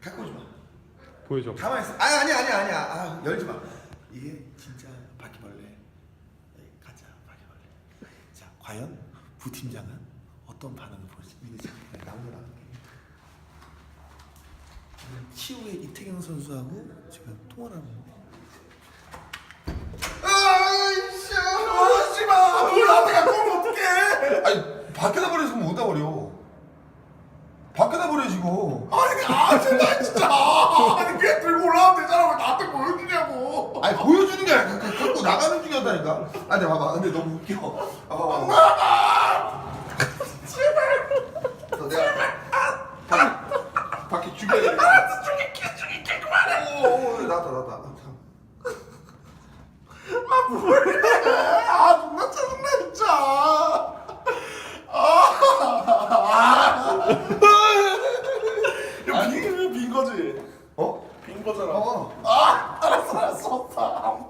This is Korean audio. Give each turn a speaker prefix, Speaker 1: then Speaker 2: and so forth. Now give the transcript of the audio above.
Speaker 1: 갖고 오지 마.
Speaker 2: 보여줘.
Speaker 1: 가만히 있어. 아니야. 아, 열지 마. 이게 진짜 바퀴벌레. 네, 가짜 바퀴벌레. 자, 과연 부팀장은 어떤 반응을 보일지 나오느라. 치우의 이태경 선수하고 지금 통화를 하는 거. 아이씨, 오지 마. 뭘 나한테 갖고 오면 어떡해? 아니, 밖에다 버려서 못 버려. 밖에다 버려지고. 아니, 진짜. 아니, 걔 들고 올라오면 되잖아. 왜 나한테 보여주냐고. 아니, 보여주는 게 아니라 갖고 나가는 중이었다니까. 아니, 봐봐. 근데 너무 웃겨. 봐봐. 제발. 내가 밖에 죽여야 돼. 알았어, 죽일게. 그만해. 오, 나왔다. 아, 뭐래. 아, 존나 짜증나, 진짜. 빈 거지? 빈 거잖아. 알았어.